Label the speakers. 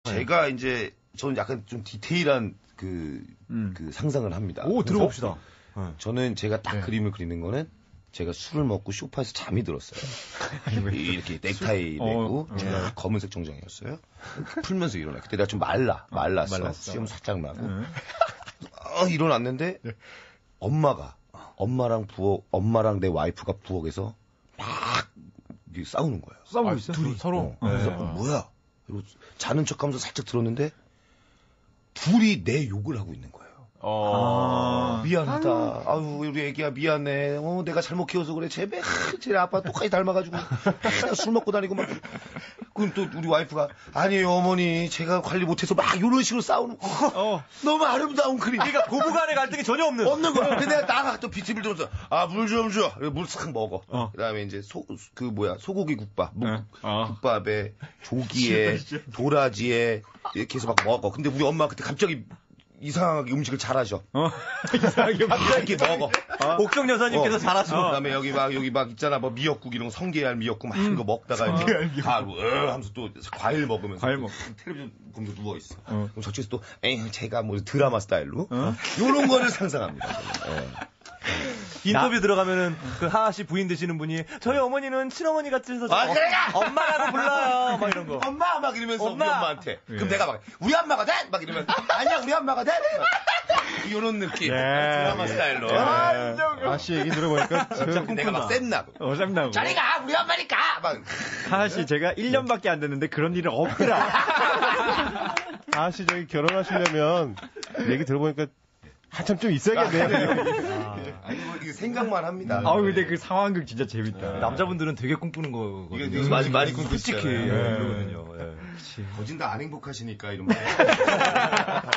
Speaker 1: 제가 이제 저는 약간 좀 디테일한 그 상상을 합니다.
Speaker 2: 오, 들어봅시다.
Speaker 1: 저는 제가 딱 그림을 그리는 거는 제가 술을 먹고 소파에서 잠이 들었어요. 이렇게 넥타이 메고 제가 검은색 정장이었어요. 풀면서 일어나. 그때 내가 좀 말랐어. 수염 살짝 나고. 일어났는데 엄마랑 내 와이프가 부엌에서 막 싸우는 거예요.
Speaker 2: 싸우고 있어요?
Speaker 3: 둘이 서로.
Speaker 1: 그래서 뭐야? 그리고 자는 척하면서 살짝 들었는데 둘이 내 욕을 하고 있는 거예요. 미안하다. 아유, 우리 애기야 미안해. 내가 잘못 키워서 그래. 쟤 아빠 똑같이 닮아가지고 술 먹고 다니고 막. 그럼 또 우리 와이프가 아니에요 어머니 제가 관리 못해서 막 이런 식으로 싸우는 거. 너무 아름다운 그림.
Speaker 3: 그러니까 고부간의 갈등이 전혀 없는
Speaker 1: 거야. 근데 내가 나가 또 비트를 들어서 물 좀 줘. 물 싹 먹어. 그다음에 이제 소고기 국밥. 국밥에 조기에 도라지에 이렇게 해서 막 먹어. 근데 우리 엄마 그때 갑자기 이상하게 음식을 잘하셔.
Speaker 3: 이상하게
Speaker 1: 먹어.
Speaker 3: 옥정 여사님께서 잘하시고.
Speaker 1: 그다음에 여기 막 있잖아. 뭐 미역국 이런 거 성게알 미역국 막 이런 거 먹다가 이제 하면서 또 과일 먹으면서 텔레비전 보면서 누워 있어. 그럼 저쪽에서 또 제가 뭐 드라마 스타일로 요런 거를 상상합니다.
Speaker 3: 인터뷰 들어가면은 그 하하 씨 부인 되시는 분이 저희 어머니는 친어머니 같으셔서 엄마라고 불러요. 막 이런 거.
Speaker 1: 엄마 막 이러면서 우리 엄마한테. 그럼 내가 막 우리 엄마가 돼? 막 이러면 아니야 우리 엄마가 돼? 이런 느낌. 드라마 스타일로.
Speaker 4: 하씨 얘기 들어보니까
Speaker 1: 내가 막 쌤나고.
Speaker 4: 쌤나고.
Speaker 1: 저리가 우리 엄마니까. 막.
Speaker 4: 하씨 제가 1년밖에 안 됐는데 그런 일은 없더라. 하씨 저기 결혼하시려면 얘기 들어보니까 한참 좀 있어야겠네요.
Speaker 1: 아니 뭐 이게 생각만 합니다.
Speaker 4: 근데 그 상황극 진짜 재밌다.
Speaker 3: 남자분들은 되게 꿈꾸는 거거든요.
Speaker 1: 이게 많이 꿈꾸시잖아요.
Speaker 3: 솔직히 그러거든요.
Speaker 1: 거진 다 안 행복하시니까 이런 말.